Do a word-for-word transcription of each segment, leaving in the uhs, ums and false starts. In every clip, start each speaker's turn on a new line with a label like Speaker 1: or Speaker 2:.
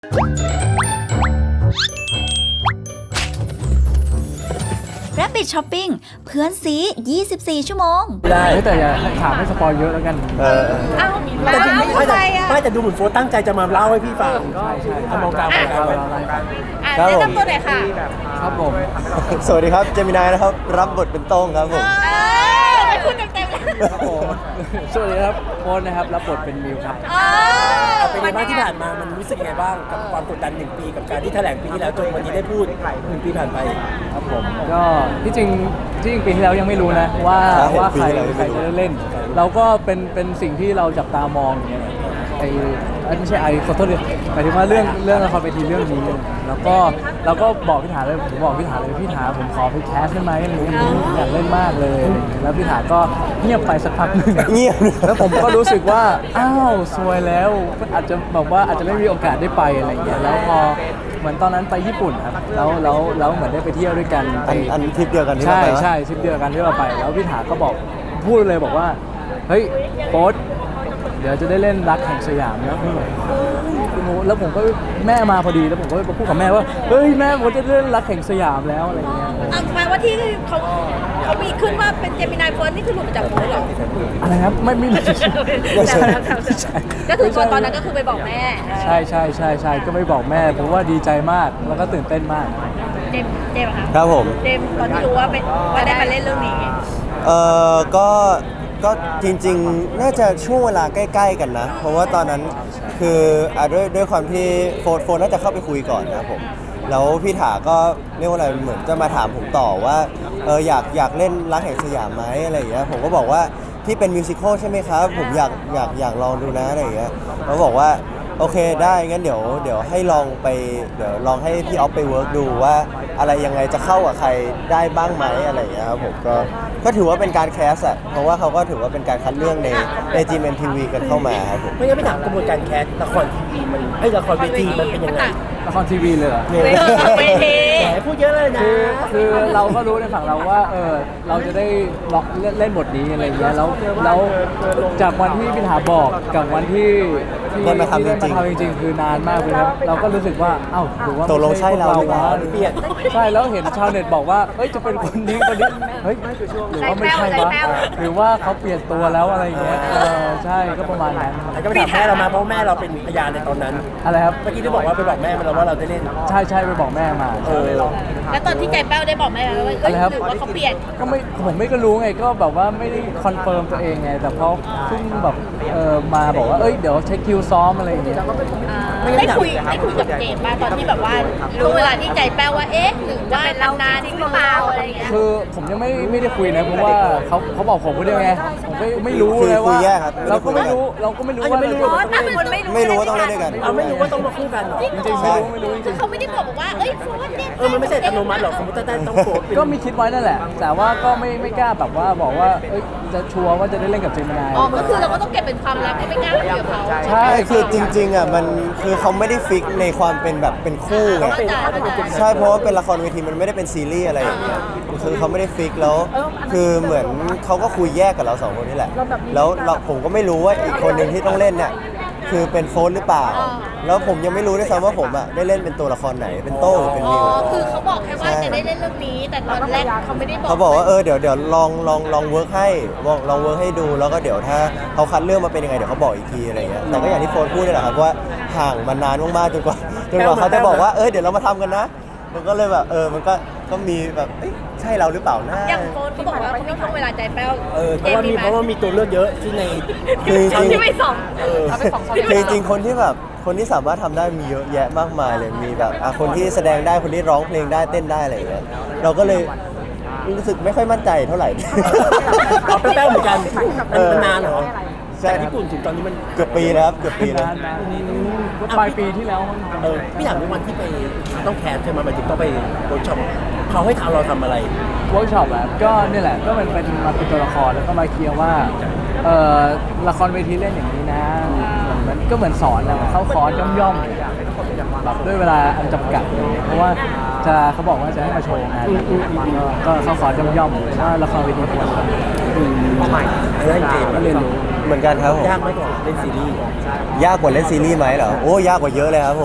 Speaker 1: Rabbit Shopping เพื่อนซียี่สิบสี่ชั่วโมง
Speaker 2: ได้แต่อย่าถามให้สปอยเยอะแล้วกันเออ
Speaker 3: อ้าวแต่จริงไม่ไม่แต่ไม่แต่ดูเหมือนโฟร์ตั้งใจจะมาเล่าให้พี่ฟัง
Speaker 2: ใช่ใช่
Speaker 3: ทำมองกลางมองกลางไป
Speaker 4: อ่ะแนะนำตัวหน่อยค่ะ
Speaker 2: ครับผม
Speaker 5: สวัสดีครับเจมินายนะครับรับบทเป็นโต้งครับผม
Speaker 4: ไม่พูดเต็มๆเลย
Speaker 2: ครับผมสวัสดีครับโค้ชนะครับรับบทเป็นมิวครับ
Speaker 3: เอาเป็นไงบ้างที่ผ่านมามันรู้สึกยังไงบ้างกับความกดดันหนึ่งปีกับการที่แถลงปีที่แล้วจนวันนี้ได้พูดหนึ่งปีผ่านไป
Speaker 2: ครับผมก็ที่จริงที่จริงปีที่แล้วยังไม่รู้นะว่าว่าใครใครจะได้เล่นเราก็เป็นเป็นสิ่งที่เราจับตามองอย่างเงี้ยไอ้ไม่ใช่ไอ้ขอโทษเลยหมายถึงว่าเรื่องเรื่องละครเวทีเรื่องนี้แล้วก็เราก็บอกพี่ถาเลยผมบอกพี่ถาเลยพี่ถาผมขอไปแคสได้ไหมอะไรอย่างเงี้ยอยากเล่นมากเลยแล้วพี่ถาก็เงียบไปสักพักหนึ่ง
Speaker 5: เงียบ
Speaker 2: แล้วผมก็รู้สึกว่าอ้าวซวยแล้วอาจจะแบบว่าอาจจะไม่มีโอกาสได้ไปอะไรอย่างเงี้ยแล้วพอเหมือนตอนนั้นไปญี่ปุ่นครับแล้วแล้วแล้วเหมือนได้ไปเที่ยวด้วยกัน
Speaker 5: อันอันทริปเดียวกันที่
Speaker 2: เรา
Speaker 5: ไป
Speaker 2: ใช่ใช่ทริปเดียวกันที่เราไปแล้วพี่ถาก็บอกพูดเลยบอกว่าเฮ้ยโป๊ตเดี๋ยวจะได้เล่นรักแห่งสยามแล้วแล้วผมก็แม่มาพอดีแล้วผมก็พูดกับแม่ว่าเฮ้ยแม่ผมจะเล่นรักแห่งสยามแล้วอะไรเงี้ย
Speaker 4: แปลว่าที่เขาเขามีขึ้นว่าเป็นเจมินายเฟิร์สนี่คือหลุดมาจากโพสหรอ
Speaker 2: อะไรครับไม่ไม่ไม่ใช่
Speaker 4: ก็คือตอนนั้นก็คือไปบอกแม่
Speaker 2: ใช่ใช่ใช่ใช่ก็ไม่บอกแม่เพราะว่าดีใจมากแล้วก็ตื่นเต้นมาก
Speaker 4: เจมเจมค่ะ
Speaker 5: ครับผม
Speaker 4: เจมตอนที่รู้ว่าเป็นว่าได้มาเล่นเรื่องนี้
Speaker 5: เออก็ก็จริงๆน่าจะช่วงเวลาใกล้ๆกันนะเพราะว่าตอนนั้นคืออ่ะด้วยด้วยความที่โฟนโฟนน่าจะเข้าไปคุยก่อนนะครับผมแล้วพี่ถาก็เรียกว่าอะไรเหมือนจะมาถามผมต่อว่าเอออยากอยากเล่นรักแห่งสยามไหมอะไรอย่างเงี้ยผมก็บอกว่าที่เป็นมิวสิควลใช่ไหมครับผมอยากอยากอยากลองดูนะอะไรอย่างเงี้ยเขาบอกว่าโอเคได้งั้นเดี๋ยวเดี๋ยวให้ลองไปเดี๋ยวลองให้พี่ออฟไปเวิร์กดูว่าอะไรยังไงจะเข้ากับใครได้บ้างไหมอะไรอย่างเงี้ยครับผมก็ก็ถือว่าเป็นการแคสอะเพราะว่าเขาก็ถือว่าเป็นการคัดเลือกในใน จี เอ็ม ที วี กันเข้ามาครับผม
Speaker 3: ไม่งั้นไม่ถามกระบวนการแคสละครทีวีมันไอ้ละครเวทีมันเป็นยังไง
Speaker 2: ละครทีวีเลยเหรอ
Speaker 4: เวที
Speaker 3: แหมพูดเยอะเลยนะ
Speaker 2: คือคือเราก็รู้ในฝั่งเราว่าเออเราจะได้ล็อกเล่นบทนี้อะไรอย่างเงี้ยแล้วแล้วจากวันที่พี่ถาบอกกับวันที่ที่
Speaker 5: ได้มาทำ
Speaker 2: จริงๆคือนานมากเลยครับเราก็รู้สึกว่าเอ้าหรือว่า
Speaker 5: ตกลงใช่เรา
Speaker 2: วะเปลี่ยนใช่แล้วเห็นชาวเน็ตบอกว่าเอ้ยจะเป็นคนนี้คนนี้เฮ้ยหรือว่าไม่ใช่วะหรือว่าเขาเปลี่ยนตัวแล้วอะไรอย่างเงี้ยเออใช่ก็ประมาณนั้น
Speaker 3: แต่ก็ไปถามแม่เรามาเพราะแม่เราเป็นพยานในตอนนั้น
Speaker 2: อะไรครับ
Speaker 3: เมื่อกี้ที่บอกว่าไปบอกแม่มาแล้วว่าเราได้เล่น
Speaker 2: ใช่ใช่ไปบอกแม่มา
Speaker 3: เออ
Speaker 4: แล้วตอนที่ใจแป้วได้บอกแม่ว่าเอ้ยหรือว่าเขาเปลี่ยน
Speaker 2: ก็ไม่ผมไม่ก็รู้ไงก็แบบว่าไม่ได้คอนเฟิร์มตัวเองไงแต่พอเพิ่งแบบเออมาบอกว่าเอ้ยเดี๋ยวเช็คคิวซ้อมอะไรอย่างเงี้ย
Speaker 4: ได้คุยได้คุยกับเจมส์ป่ะตอนที่แบบว่าช่วงเวลาที่ใจแป้วว่าเอ๊ะหรือว่าเรานานจริงหรือเปล่าอะไรอย่างเงี้ย
Speaker 2: คือผมยังไม่ไม่ได้คุยนะเพราะว่าเขาเขาบอกผมคนเดียวไงผมไม่ไม่รู้เลยว่าเราก็ไม่รู้เราก็ไม่รู้ว่าไม่รู้
Speaker 5: ไม่รู้ว่าต้องเล่นด้วยกัน
Speaker 3: เราไม่รู้ว่าต้องมาคู่กัน
Speaker 2: จริงๆไม่รู้ไม่รู้จริง
Speaker 4: ๆเขาไม่ได้บอกว่าเอ้ยโฟนเนี่ย
Speaker 3: เออมันไม่ใช่อัตโนมัติหรอกสมมติถ้าได้ต้องโฟน
Speaker 2: ก็มีคิดไว้นั่นแหละแต่ว่าก็ไม่ไม่กล้าแบบว่าบอกว่าเอ้ยจะชัวร์ว่าจะได้เล่นกับเจมินาย
Speaker 4: อ๋อก็คือเราก็ต้องเก็บเป็นความลับไม่กล้าคุยกับเขา
Speaker 2: ใช่
Speaker 5: คือจริงๆอ่ะมันคือเขาไม่ได้ฟิกในความเป็นแบบเป็นคู่ไงใช่เพราะว่าเป็นละครเวทีมันไม่ได้เป็นซีรีส์อะไรอย่างเงี้ยคือเขาไม่ได้ฟิกแล้วคือเหมือนเขาก็คุยแยกกับเราสองคนนี่แหละแล้วเราผมก็ไม่รู้ว่าอีกคนหนึ่งที่ต้องเล่นเนี่ยคือเป็นโฟนหรือเปล่าแล้วผมยังไม่รู้ด้วยซ้ำว่าผมอ่ะได้เล่นเป็นตัวละครไหนเป็นโต้หรือเป็นมิว
Speaker 4: อ๋อคือเขาบอกแค่ว่าจะได้เล่นเรื่องนี้แต่ตอนแรกเขาไม่ได้บอก
Speaker 5: เขาบอกว่าเออเดี๋ยวเดี๋ยวลองลองลองเวิร์กให้ลองลองเวิร์กให้ดูแล้วก็เดี๋ยวถ้าเขาคัดเรื่องมาเป็นยังไงเดี๋ยวเขาบอกอีกทีอะไรเงี้ยแต่ก็อย่างที่โฟนพูดนี่แหละครับว่าห่างมานานมากๆจนกว่าจนกว่าเขาจะบอกว่าเออเดี๋ยวเรามาทำกันนะมันก็เลยแบบเออมันก็ก็มีแบบใช่เราหรือเปล่านะ
Speaker 4: อย่างโฟนเขาบอกว่าเขามีช่วงเวลาใจแป้ว
Speaker 3: เออเพราะว่ามีเพราะว่ามีตัวเลือกเยอะที่ใน
Speaker 5: คือจริง
Speaker 4: ที่ไม่สอง
Speaker 5: คือจริงคนที่แบบคนที่สามารถทำได้มีเยอะแยะมากมายเลยมีแบบอ่ะคนที่แสดงได้คนที่ร้องเพลงได้เต้นได้อะไรอย่างเงี้ยเราก็เลยรู้สึกไม่ค่อยมั่นใจเท่าไหร่
Speaker 3: เอาแป้วเหมือนกันมันนานเหรอจากญี่ปุ่นถึงตอนนี้มัน
Speaker 5: เกือบปีแล้วครับเกือบปีแล้ว
Speaker 2: ปลายปีที่แล้ว
Speaker 3: เออพี่ถามในวันที่ไปต้องแคสใช่ไหมหมายถึงต้องไปเวิร์กช็อปเขาให้ทำเราทำอะไร
Speaker 2: เวิร์กช็อปแบบก็นี่แหละก็มันเป็นมาเป็นตัวละครแล้วก็มาเคลียร์ว่าเออละครเวทีเล่นอย่างนี้นะมันก็เหมือนสอนนะเข้าคอร์สย่อมๆแบบด้วยเวลาอันจำกัดเพราะว่าจะเขาบอกว่าจะให้มาโชว์งานก็เข้าคอร์สย่อมๆว่าละครเวทีควรทำ
Speaker 3: ใหม่เล่นเกม
Speaker 2: ก็เรียนรู้
Speaker 5: เหมือนกันครับผม
Speaker 3: ยากไหมกว่าเล่นซีรีส์
Speaker 5: ยากกว่าเล่นซีรีส์ไหมเหรอโอ้ยากกว่าเยอะเลยครับผม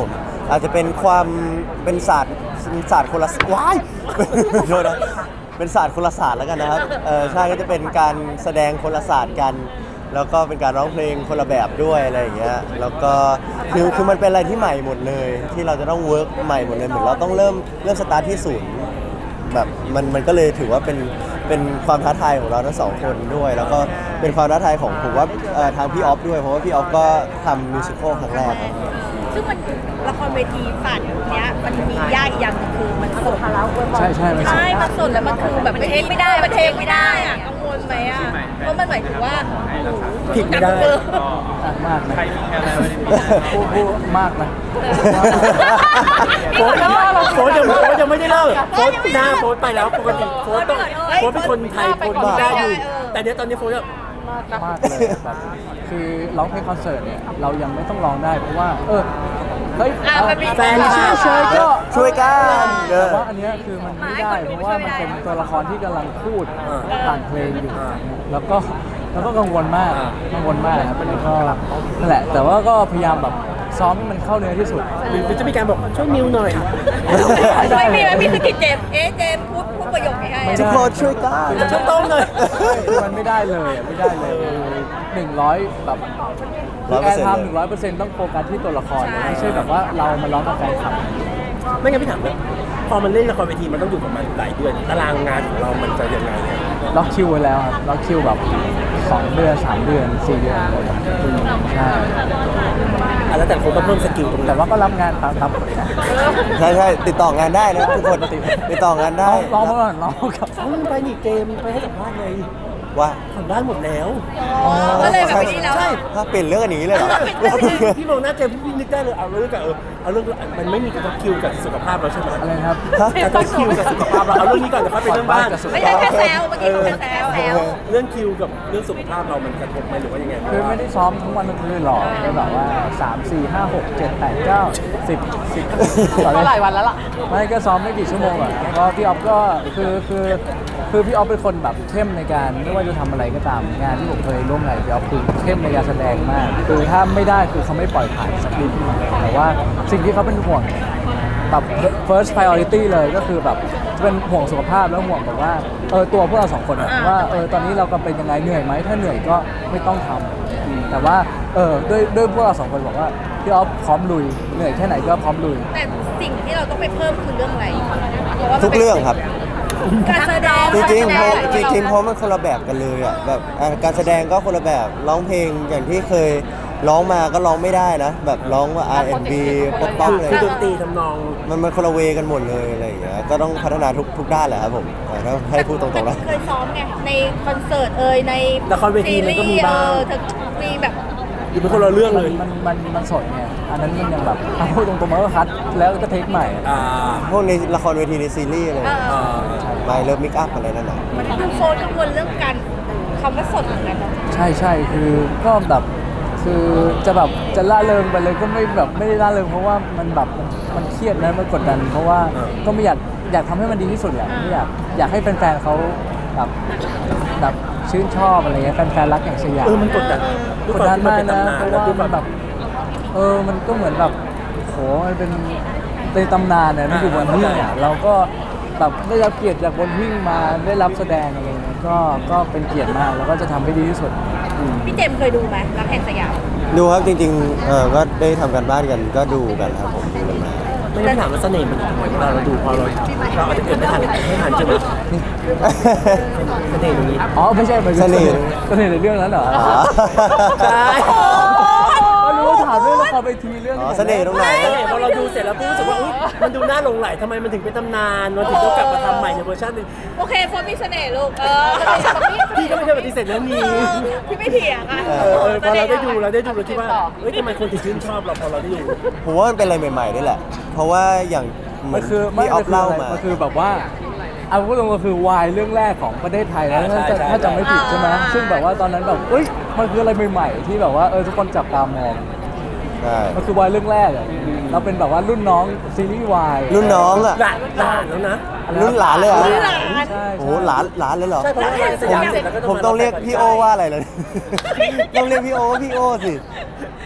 Speaker 5: อาจจะเป็นความเป็นศาสตร์ศาสตร์คนละว้ายโทษนะเป็นศาสตร์คนละศาสตร์แล้วกันนะครับเออใช่ก็จะเป็นการแสดงคนละศาสตร์กัน แล้วก็เป็นการร้องเพลงคนละแบบด้วยอะไรอย่างเงี้ยแล้วก็คือคือมันเป็นอะไรที่ใหม่หมดเลย ที่เราจะต้องเวิร์กใหม่หมดเลยเหมือนเราต้องเริ่มเริ่มสตาร์ทที่ศูนย์แบบมันมันก็เลยถือว่าเป็นเป็นความท้าทายของเราทั้งสองคนด้วย แล้วก็เป็นความท้าทายของผมว่าเอ่อทางพี่ออฟด้วยเพราะว่าพี่ออฟก็ทำมิวสิควลครั้งแรกครับ
Speaker 4: ซึ่งมันละครเวทีฝันเนี้ยมันมียากอีกอย่างหนึงคือมันสด
Speaker 2: ใช่ใช่ไม่ใช่
Speaker 4: ใช่ มันสดแล้วมันคือแบบมันเทคไม่ได้มันเทคไม่ได้อะกังวลไหมอ่ะเพราะมันหมายถึงว่า
Speaker 3: ผิดไม่ได้
Speaker 2: มากนะพูดพูดมากนะ
Speaker 3: โฟนโฟนยังโฟนยังไม่ได้เล่าโฟนหน้าโฟนไปแล้วปกติโฟนต้องโฟนเป็นคนไทยโฟนพูดได้อยู่แต่เนี้ยตอนนี้โฟนแบบ
Speaker 2: มากเลยแบบคือร้องเพลงคอนเสิร์ตเนี่ยเรายังไม่ต้องร้องได้เพราะว่า เออเฮ้ย
Speaker 4: อ่ะมันมี
Speaker 2: แฟนเฉยๆก็
Speaker 5: ช่วยกันเอ
Speaker 2: แต่
Speaker 5: อ
Speaker 2: ว่าอันเนี้ยคือมันไม่ได้เพราะว่ามันเป็นตัวละครที่กำลังพูดผ่านเพลงอยู่ แล้วก็แล้วก็กังวลมากกังวลมากครับแล้วก็นั่นแหละ แต่ว่าก็พยายามแบบซ้อมให้มันเข้าเนื้อที่สุด
Speaker 3: หรือจะมีการบอกช่วยมิวหน่อย
Speaker 4: ไม่มีไม่มีสกิดเจมส์เอ๊ะเจมส์พูดพูดประโยคนี้ให้
Speaker 2: ไม่ได้
Speaker 5: ทุกคนช่วยกัน
Speaker 3: ช่วยต้มหน่อย
Speaker 2: คือมันไม่ได้เลยอะไม่ได้เลยหนึ่งร้อยแบบคือแอร์ไทม์หนึ่งร้อยเปอร์เซ็นต์ต้องโฟกัสที่ตัวละครไม่ใช่แบบว่าเรามาร้องกับแฟนคลับ
Speaker 3: ไม่งั้นพี่ถามเลยพอมันเล่นละครเวทีมันต้องอยู่กับมันหลายเดือนตารางงานของเรามันจะยังไง
Speaker 2: ล็อกคิวไว้แล้วครับล็อกคิวแบบสองเดือนสามเดือนสี่เดือนอะไรแบบนี้ใช่
Speaker 3: อ่ะแล้วแต่คนต้องเพิ่มสกิลตรง
Speaker 2: แต่
Speaker 3: นั้น
Speaker 2: ว่าก็รับงานตามตามปกตินะ
Speaker 5: ใช่ใช่ติดต่องานได้นะทุกคนติดต่องานได้
Speaker 2: ร้องมาก่อนร้องกับ
Speaker 3: เขาไปนี่เกมไปให้สัมภาษณ์เลย
Speaker 5: ว่า
Speaker 3: ทำได้หมดแล้ว
Speaker 4: อ๋อก็เลยแบบนี้แล้ว
Speaker 3: ใช่
Speaker 5: ถ้าเปลี่ยนเรื่องกันอย่างนี้เลยเหรอ
Speaker 3: พี่มองหน้าเจมส์พี่นึกได้เลยเอาเรื่องกับเออเอาเรื่องมันไม่มีกระทบคิวกับสุขภาพเราใช่ไหม
Speaker 2: อะไรนะครับ
Speaker 3: กระทบคิวกับสุขภาพเราเอาเรื่องนี้ก่อนเดี๋ยวค่อยไปเรื่องบ้าน
Speaker 4: ไม่ใช่แค่แซวเมื่อกี้เขาแค่แซวแซว
Speaker 3: เรื่องคิวกับเรื่องสุขภาพเรามันกระทบไหมหรือว่ายังไง
Speaker 2: คือไม่ได้ซ้อมทั้งวันทั้งคืนหรอกก็แบบว่าสาม สี่ ห้า หก เจ็ด แปด เก้า สิบ สิบก็หลายวันแล้วล่ะไม่ก็ซ้อมไม่กี่ชั่วโมงอ่ะก็พี่ออฟก็คือคือคือพี่ออฟเป็นคนแบบเข้มในการไม่ว่าจะทำอะไรก็ตามงานที่ผมเคยร่วมงานพี่ออฟคือเข้มในการแสดงมากคือถ้าไม่ได้คือเขาไม่ปล่อยผ่านสักนิดแต่ว่าสิ่งที่เขาเป็นห่วงแบบ first priority เลยก็คือแบบจะเป็นห่วงสุขภาพแล้วห่วงแบบว่าเออตัวพวกเราสองคนอะว่าเออตอนนี้เรากำลังเป็นยังไงเหนื่อยไหมถ้าเหนื่อยก็ไม่ต้องทำแต่ว่าเออด้วยด้วยพวกเราสองคนบอกว่าพี่ออฟพร้อมลุยเหนื่อยแค่ไหนก็พร้อมลุย
Speaker 4: แต่สิ่งที่เราต้องไปเพิ่มคือเรื่องอะไรเพราะว่ามัน
Speaker 5: ทุก
Speaker 4: ป็น
Speaker 5: เรื่องครับ
Speaker 4: การแสดง
Speaker 5: จริงๆเพราะ
Speaker 4: การแส
Speaker 5: จ
Speaker 4: ดง
Speaker 5: ริงๆเพราะมันคนละแบบกันเลยอ่ะแบบอ่ะการแสดงก็คนละแบบร้องเพลงอย่างที่เคยร้องมาก็ร้องไม่ได้นะ แบบร้องว่า อาร์ แอนด์ บี ป๊อปป๊อป
Speaker 3: คือ
Speaker 5: อะไร
Speaker 3: คือดนตรีทำนอง
Speaker 5: มันมันคนละเวกันหมดเลยอะไรอย่างเงี้ยก็ต้องพัฒนาทุกทุกด้านแหละครับผมอ่ะถ้าให้พูดตรงๆนะ
Speaker 4: เคยซ้อมไงในคอนเสิร์ตเอ่ยใน
Speaker 3: ละครเวทีมันก็มีบ้าง
Speaker 4: เออเธอมีแบบ
Speaker 3: อยู่เป็นคนละเรื่องเลย
Speaker 2: มันมันมันสดไงอันนั้นมันยังแบบเอาพูดตรงๆมันก็คัดแล้วก็เทคใหม่อะ
Speaker 3: อ่า
Speaker 5: พวกในละครเวทีในซีรีส์อะไร
Speaker 4: เออ
Speaker 3: อ่า
Speaker 5: ไม่เลิฟมิกอัพอะไรนั่นน่ะ
Speaker 4: มันดูโฟนกังวลเรื่องการคำว่าสดเหมือนกันเนาะ
Speaker 2: ใช่ใช่คือก็แบบคือจะแบบจะล่าเริงไปเลยก็ไม่แบบไม่ได้ล่าเริงเพราะว่ามันแบบมันมันเครียดนะมันกดดัน เพราะว่าก็ไม่อยากอยากทำให้มันดีที่สุดแหละไม่อยากอยากให้แฟนๆเขาแบบแบบชื่นชอบอะไรเงี้ยแฟนๆรักอย่างสยาม
Speaker 3: เออมันกดดัน
Speaker 2: กดดันมากนะเพ
Speaker 3: ด้วย
Speaker 2: ราะ
Speaker 3: คว
Speaker 2: ว่า
Speaker 3: ที่
Speaker 2: มันแบบเออมันก็เหมือนแบบโหมันเป็นเป็นตำนานเนี่ยมันอยู่บนหิ้งอ่ะเราก็แบบได้รับเกียรติจากบนหิ้งมาได้รับแสดงอะไรเงี้ยก็ก็เป็นเกียรติมากแล้วก็จะทำให้ดีที่สุดอืม
Speaker 4: พี่เจมส์เคยดูไหมรักแห่งสยาม
Speaker 5: ดูครับจริงๆเออก็ได้ทำกันบ้านกันก็ดูกันครับผมดูกันมา
Speaker 3: ไม่ได้ถามว่าเสน่ห์มันอยู่ตรงไหนเวลาเราดูพอเราเราอาจจะเกิดไม่ทันไม่ทันใช่ไหมเสน่ห์ตรงนี้
Speaker 2: อ๋อไม่ใช่หมายถึง
Speaker 5: เสน่ห์
Speaker 2: เสน่ห์ในเรื่องนั้นเหรอ
Speaker 5: อ๋อ
Speaker 3: ใช่
Speaker 2: ก็รู้ว่าถามเรื่องละครไปทีเรื่อง
Speaker 5: อ๋อเสน่ห์ตรงไหน
Speaker 3: เสน่ห์พอเราดูเสร็จแล้วปุ๊บรู้สึกว่าอุ๊ยมันดูน่าหลงไหลทำไมมันถึงเป็นตำนานมันถึงต้องกลับมาทำใหม่ในเวอร์ชันหนึง
Speaker 4: โอเคโฟนมีเสน่ห์ลูกเออ
Speaker 3: พี่ก็ไม่ได้ปฏิเสธเรื่องนี้
Speaker 4: พี่ไม่เถียงอ่ะ
Speaker 3: เออเออพอเราได้ดูเราได้ดูเราคิดว่าเฮ้ยทำไมคนถึงชื่นชอบเราพอเราได้ดู
Speaker 5: ผมว่ามันเป็นอะไรใหม่ๆด้วยแหละ เพราะว่าอย่างเหมื
Speaker 2: มั
Speaker 5: อน น
Speaker 2: คือไม่
Speaker 5: ที่ออฟ
Speaker 2: คือ
Speaker 5: เล่า
Speaker 2: อะไร
Speaker 5: มา
Speaker 2: มันคือแบบว่าเอาพูดตรงๆก็คือวายเรื่องแรกของประเทศไทยนะ
Speaker 3: ใช่
Speaker 2: ถ้าจะ
Speaker 3: ใช่
Speaker 2: ถ้าจำไม่ผิดใช่ไหม
Speaker 4: อ่า
Speaker 2: ซึ่งแบบว่าตอนนั้นแบบเอ้ยมันคืออะไรใหม่ๆที่แบบว่าเออทุกคนจับตามอง
Speaker 5: ใช่
Speaker 2: มันคือวายเรื่องแรกอะเราเป็นแบบว่ารุ่นน้องซีรีส์วาย
Speaker 5: รุ่นน้องอ่ะ
Speaker 3: หลานหลานแล้วนะ
Speaker 5: รุ่นหลานเลยเหรอ
Speaker 4: รุ่นหลาน
Speaker 2: ใช่
Speaker 5: โอ้โหหลานหลานเลยเหรอ
Speaker 3: ใช่เพราะว่าสยามเสร็จแล้วก็
Speaker 5: ผมต้องเรียกพี่โอว่าอะไรเลย ต้องเรียกพี่โอว่าพี่โอสิ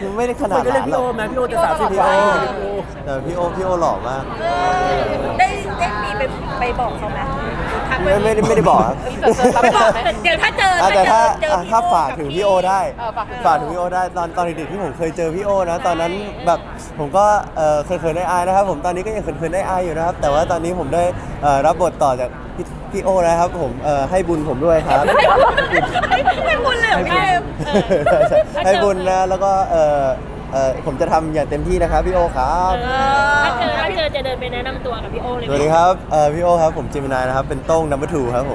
Speaker 5: ไม่ได้ข
Speaker 3: ค
Speaker 5: นาด
Speaker 3: นก็เรีย
Speaker 5: นั้
Speaker 3: ก
Speaker 5: น
Speaker 3: พี่
Speaker 5: หร
Speaker 3: โอ
Speaker 5: อก
Speaker 3: ไหมพี่โอจะสามสิบ
Speaker 5: พี่
Speaker 3: ก
Speaker 5: โอ
Speaker 3: ว่า
Speaker 5: แต่พี่โอพี่โอหล่อมาก
Speaker 4: ได้ได้มีไปไปบอกเขาไหมทักไป
Speaker 5: ไม่ไม่ได้ไม่ได้บอกครับ
Speaker 4: ไปบอกเดี๋ยวถ้าเจอ
Speaker 5: อ่ะแต่ถ้า
Speaker 4: เจอ
Speaker 5: อ่ะ
Speaker 4: พี่
Speaker 5: ถ้า
Speaker 4: โอ
Speaker 5: ฝากถึงพี่โอได้
Speaker 6: เออฝากถึง
Speaker 5: ฝากถึงพี่โอได้ตอนตอนเด็กๆที่ผมเคยเจอพี่โอนะตอนนั้นแบบผมก็เออเขินๆได้อายนะครับผมตอนนี้ก็ยังเขินๆได้อายอยู่นะครับ แต่ว่าตอนนี้ผมได้เอ่อรับบทต่อจากพี่พี่โอนะครับผมเอ่อให้บุญผมด้วยครับ
Speaker 4: ไม่พูดเลยเหรอพี่เอม
Speaker 5: ใช่ใช่ให้บุญนะแล้วก็เออเออผมจะทำอย่างเต็มที่นะครับพี่โอครับ
Speaker 4: ถ้าเจอถ้าเจอจะเดินไปแนะนำตัวกับพี่โอเลย
Speaker 5: สวัสดีครับเอ่อพี่โอครับผมเจมินายนะครับเป็นโต้งนัมเบอร์ทูครับผม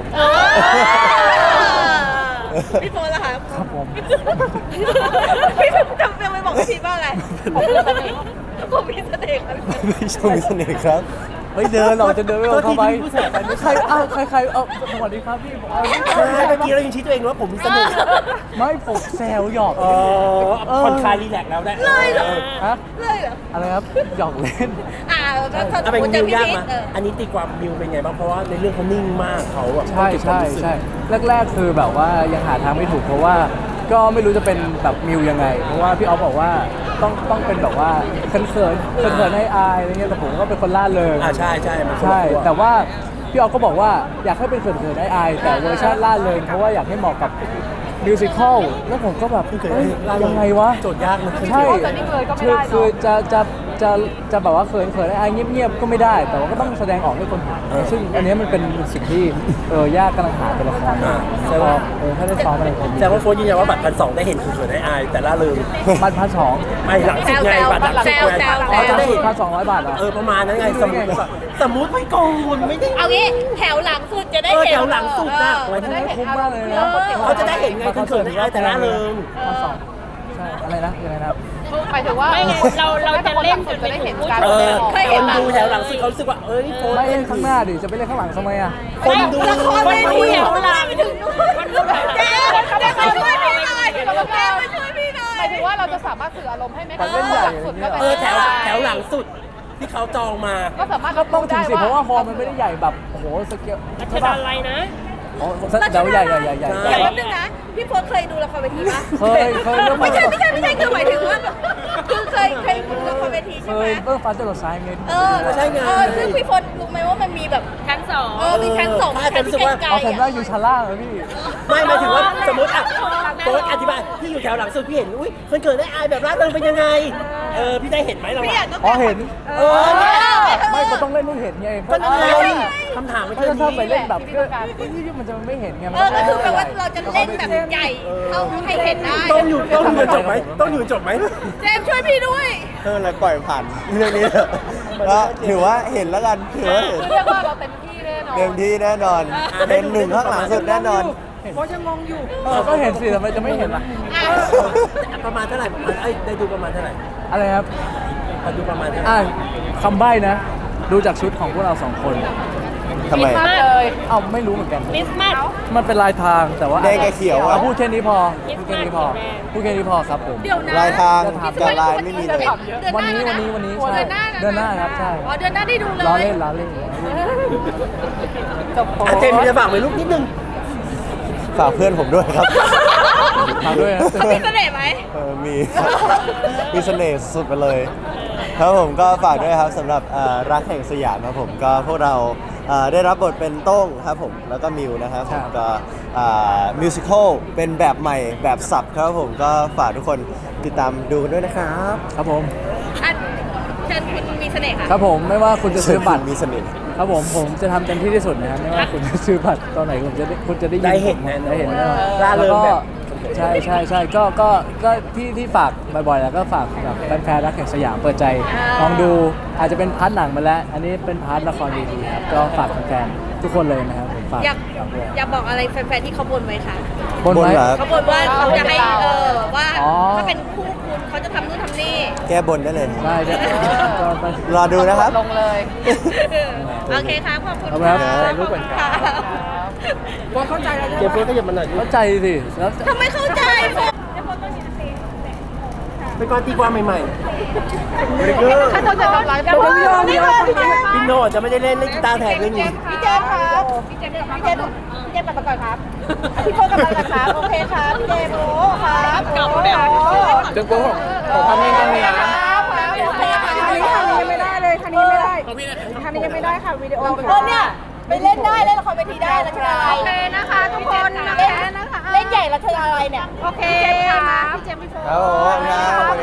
Speaker 4: พี่โฟนล่ะคะ
Speaker 2: ครับผม
Speaker 4: พี่จำเป็นไปบอกพี่ว่าอะไรผมมีเสน่ห์ครับ
Speaker 5: พี่ชมมีเสน่ห์ครับ
Speaker 2: เฮ้ยเดินเราจะเดินไม่เอาเข้าไปใครอ้าวใครใครเออสวัสดีครับพี่ผมเอา
Speaker 3: ใช่เมื่อกี้เรายังชี้ตัวเองว่าผมมีเสน่ห์
Speaker 2: ไม่ผมแซวหยอก
Speaker 3: เออผ่อนคลายรีแลกซ์แล้วได้
Speaker 4: เลยเหรอ
Speaker 2: ฮะ
Speaker 4: เลยเหรอ
Speaker 2: อะไรครับหยอกเล่น
Speaker 4: อ่าถ้าถ้า
Speaker 3: เอาเป็น
Speaker 4: เจ
Speaker 3: มิ
Speaker 4: อ
Speaker 3: ว
Speaker 4: พี่
Speaker 3: ยาก
Speaker 4: พี
Speaker 3: มา
Speaker 4: ทเออ
Speaker 3: อันนี้ตีความมิวเป็นไงบ้างเพราะว่าในเรื่องเขานิ่งมากเขาแบบ
Speaker 2: ใช่ใช่ใช่แรก ๆ คือแบบว่ายังหาทางไม่ถูกเพราะว่าก็ไม่รู้จะเป็นแบบมิวยังไง เพราะว่าพี่ออฟบอกว่าต้องต้องเป็นแบบว่าเขินเขินเขินเขินให้อายอะไรเงี้ยแต่ผมก็เป็นคนล่าเริง
Speaker 3: อ่าใช่ใช่มันคนละ
Speaker 2: ใช่
Speaker 3: ขั้ว
Speaker 2: แต่ว่าพี่ออฟก็บอกว่าอยากให้เป็นเขินเขินให้อายแต่เวอร์ชันล่าเริงเพราะว่าอยากให้เหมาะกับมิวสิควลแล้วผมก็แบบเฮ้ยยังไงวะ
Speaker 3: โจทย์ยากนะ
Speaker 2: ใช่
Speaker 6: จะนิ่งเลยก็ไม่
Speaker 2: คือ
Speaker 6: ได้เนอะ
Speaker 2: คือจะจะจะจะแบบว่าเขินเขินไอ้เงียบๆก็ไม่ได้ แต่ว่าก็ต้องแสดงออกให้คนเห็นซึ่งอันเนี้ยมันเป็นสิ่งที่เออยากกำลังหาตัวละครอยู่แล้วก็เออถ้าได้ซ้อมอะไรผม
Speaker 3: แต่ว่าโฟนยืนยันว่าบัตรพันสองได้เห็นคุณสวยได้อายแต่ล่าเริง
Speaker 2: บัตรพันสอง
Speaker 3: ไม่หลังสุดไงบัตรหลังสุดไง
Speaker 2: เรา
Speaker 3: เรา
Speaker 2: จะ
Speaker 3: จะ
Speaker 2: ได้
Speaker 3: ได้
Speaker 2: เห็
Speaker 3: เห็
Speaker 2: น
Speaker 3: น
Speaker 2: พันสองร้อยบาทเหรอ
Speaker 3: เออประมาณนั้นไงสมมติแบบสมมติไม่โกงคุณไม่ได้
Speaker 4: เอางี้แถวหลังสุดจะได้
Speaker 3: เออ
Speaker 4: เห็น
Speaker 3: แถวหลังสุดน่ะ
Speaker 2: โอ้ยมันไม่คุ้มมากเลยนะ
Speaker 3: เขาจะได้เห็นไงคุณเขินได้แต่ล่าเริง
Speaker 2: พันสองใช่อะไรนะยังไงนะครับ
Speaker 6: หมายถึงว่า
Speaker 4: ไม่ไงเราเราจะเล่นจน
Speaker 6: จะ
Speaker 4: ไป
Speaker 6: ได้
Speaker 4: ถึ
Speaker 6: เห็
Speaker 4: ง
Speaker 6: น
Speaker 4: ผู้
Speaker 6: การ
Speaker 3: เออ
Speaker 6: แสดงออก
Speaker 3: คนดูแถวหลังสุดเขารู้สึกว่าเอ้ยโฟน
Speaker 2: ไม่เล่นข้างหน้าดิจะไปเล่นข้างหลังทำไมอ่ะ
Speaker 3: คนดู
Speaker 4: ละครไม่มีแถวหลังถึงวันนู้นแจ๊แจ๊มาช่วยพี่หน่อยแจ๊มาช่วยพี่หน่อ
Speaker 6: ห
Speaker 4: ย
Speaker 6: มายถึงว่าเราจะสามารถสื่ออารมณ์ให้ไหม
Speaker 2: มันเล่นใหญ่อย่าง
Speaker 6: สุด
Speaker 2: เงี้
Speaker 6: ก็
Speaker 2: ย
Speaker 6: เป็น
Speaker 3: เออแถวแถวหลังสุดที่เขาจองมา
Speaker 6: ก็สามารถ
Speaker 2: ก็ต้องถึงสิเพราะว่าฮอล
Speaker 6: ม
Speaker 2: มันไม่ได้ใหญ่แบบโอ้โหสเกล
Speaker 4: รัชดาลัยนะ
Speaker 2: อ๋อเดี๋ยวใหญ่ใหญ่ใหญ่ใหญ่
Speaker 3: ใช่
Speaker 4: เดี๋ยวแป๊บนึงนะ พี่โฟนเคยดูละครเวทีปะ
Speaker 2: เคยเคยเรื่อง
Speaker 4: ไม่ใช่ไม่ใช่ไม่ใช่คือหมายถึงว่าแบบคือเคยเคยดูละครเวที
Speaker 2: เค
Speaker 4: ใช่ไหม
Speaker 2: ยเรื่องฟ้าจรดซ้ายไง
Speaker 4: เออเออซึ่งพี่โฟนรู้ไหมว่ามันมีแบบชั้นสองเออมีชั้นสองชั้นที่ไกล
Speaker 2: อ๋อผม
Speaker 4: ๆ
Speaker 2: ได้
Speaker 4: อ่ะ
Speaker 2: อยู่ชั้นล่างเลยพี่
Speaker 3: ไม่หมายถึงว่าสมมติอ่ะโฟนอธิบายพี่อยู่แถวหลังสุดพี่เห็นอุ้ยคนเขินได้อายแบบล่าเริงเป็นยังไงเออพี่ได้เห็นไหมเรา
Speaker 4: พี่อยา
Speaker 3: อะ
Speaker 4: กต้อง
Speaker 2: อ๋อเห็น
Speaker 3: เออเนี่ย
Speaker 2: ไม่ก็ต้องเล่นให้เห็นไงเพ
Speaker 3: ก็
Speaker 2: ราะ
Speaker 3: นั่นไง
Speaker 2: ถ้า
Speaker 3: คำถามมัน
Speaker 2: ถ้า
Speaker 3: คือ
Speaker 2: ถ้าไป
Speaker 3: นี้
Speaker 2: เล่นแบบก็ที่มันจะไม่เห็นไง
Speaker 4: เออก็คือแปลว่าเราจะเล่นแบบใหญ่เท่าให้เห็นได้
Speaker 3: ต้องอยู่ต้องอยู่จบไหมต้องอยู่จบไหม
Speaker 4: เจมส์ช่วยพี่ด้วย
Speaker 5: เออเลยปล่อยผ่านเรื่องนี้เถอะก็ถือว่าเห็นแล้วกันถือว่าเห็น
Speaker 6: คือเรียกว่าเราเต็มที่แน่นอน
Speaker 5: เต็มที่แน่นอนเป็นหนึ่งข้างหลังสุดแน่นอน
Speaker 2: เออก็เห็นสิทำไมจะไม่เห็นล่ะ
Speaker 4: อ่ะ
Speaker 3: ประมาณเท่าไหร่ประมาณเอ้ยได้ดูประมาณเท่าไหร่
Speaker 2: อะไรครับ
Speaker 3: มาดูประมาณเท่าไหร่
Speaker 2: อ่าคำใบ้นะ ดูจากชุดของพวกเราสองคน
Speaker 5: ทำไม
Speaker 6: มากเลย
Speaker 2: เอ้าไม่รู้เหมือนกัน
Speaker 4: คริสต์มาส
Speaker 2: มันเป็นลายทางแต่ว่า
Speaker 5: แดงกับเขียวอะ
Speaker 2: อาพูดแค่นี้พอพูดแค่นี้พอพูดแค่นี้พอครับผม
Speaker 4: เดี๋ยวนะ
Speaker 5: ลายทาง
Speaker 2: จะถาม
Speaker 5: กับลายไม่มีเลย
Speaker 4: เดือน
Speaker 2: วัน
Speaker 4: หา
Speaker 2: นี้
Speaker 4: แล้
Speaker 2: วัน
Speaker 4: นะ
Speaker 2: นี้วันนี้
Speaker 4: โอ้
Speaker 2: ใช่
Speaker 4: เดือนหน้า
Speaker 2: เดือนหน้าครับใช่
Speaker 4: อ๋อเดือนหน้าได้ดูเลย
Speaker 2: ล้อเล่นล้อเล่น
Speaker 6: จบโพส
Speaker 3: อ่ะเจมส์จะฝากไว้ลูกนิดนึง
Speaker 5: ฝากเพื่อนผมด้วยครับ
Speaker 2: ฝากด้วยนะ
Speaker 4: เขามีเสน่ห์ไหม
Speaker 5: เออมี มีเสน่ห์สุดไปเลย ครับผมก็ฝากด้วยครับสำหรับเอ่อรักแห่งสยามครับผมก็พวกเราเอ่อได้รับบทเป็นโต้งครับผมแล้วก็มิวนะครับผมก็มิวสิควลเป็นแบบใหม่แบบสับครับผมก็ฝากทุกคนติดตามดูกันด้วยนะครับ
Speaker 2: ครับผม
Speaker 4: อ่ะเชิญคุณมีเสน่ห์ค่ะ
Speaker 2: ครับผมไม่ว่าคุณจะซื้อบัตร
Speaker 5: มีเสน่ห์
Speaker 2: ครับผมผมจะทำเต็มที่ที่สุดนะครับไม่ว่าคุณจะซื้อบัตรตอนไหนคุณจะได้คุณจะได้ยิ
Speaker 3: ได้เห็นแน่นอน
Speaker 2: ได้เห็นแน่นอน
Speaker 3: ร่าเริง
Speaker 2: แล้ว
Speaker 3: แบ
Speaker 2: ก็
Speaker 3: บ
Speaker 2: ใช่ใช่ใช่ก็ก็ก็ที่ที่ฝากบ่อยๆแล้วก็ฝากแบบแฟนๆรักแห่งสยามเปิดใจลองดูอาจจะเป็นพาร์ทหนังมาแล้ว อันนี้เป็นพาร์ทละครเวทีครับก็ฝากแฟนๆทุกคนเลยนะครับผมฝาก
Speaker 4: อยาก
Speaker 2: ฝากด้วย
Speaker 4: อยากบอกอะไรแฟนๆที่เขาบ่นไว้ค่ะ
Speaker 2: บนไว้
Speaker 5: บนเหรอ
Speaker 4: เขาบ่นว่าเขาจะให้เออว่า
Speaker 2: อ๋อ
Speaker 4: ถ้าเป็นคู่คุณเขาจะทำนู่นทำนี่
Speaker 5: แก้บนได้เลย
Speaker 2: ได้เดี๋ยวก็ไป
Speaker 5: รอดูนะครับ
Speaker 6: ลงเลย
Speaker 4: โอเคครับขอบคุณ
Speaker 2: ขอบคุณครับ
Speaker 4: ะ
Speaker 3: ถ่ายรูปก่อนครับ
Speaker 4: ว่าเข้าใจแล้ว
Speaker 3: เจมส์โฟนก็หยิบมาหน่อยดิ
Speaker 2: เข้าใจสิแล้ว
Speaker 4: ทำไมเข้าใจ
Speaker 3: เป็นการตีความใหม่
Speaker 6: ถ้าเราจะทำร้ายกัน
Speaker 3: ๆพี่โน่จะไม่ได้เล่นเล่นกีตาร์แทนเรื่องนี้
Speaker 4: พี่เจมส์ครับพี่เจมส์พี่เจมส์พี่เจมส์กลับมาก่อนครับพี่โฟกลับมาก่อนครับโอเคครับพี่เจมส์โอ้ครับกลับมาแล้ว
Speaker 2: จนกูผมผมทำยังไงเนี่ย
Speaker 4: ครับโอเคครับ
Speaker 7: คันนี้คันนี้ยังไม่ได้เลยคันนี้ไม่ได้คันนี้ยังไม่ได้ค่ะวิดีโอ
Speaker 4: เออเนี่ยไปเล่นได้เล่นละครเวทีได้แล้วใช่ไหม
Speaker 6: โอเคนะคะทุกคนนะ
Speaker 4: เล่น
Speaker 6: นะคะ
Speaker 4: เล่นใหญ่แล้วเธออะไรเนี่ย
Speaker 6: โอเคค่ะพี่เจมส์พี่โฟ
Speaker 5: ครับผมนะขอบคุณ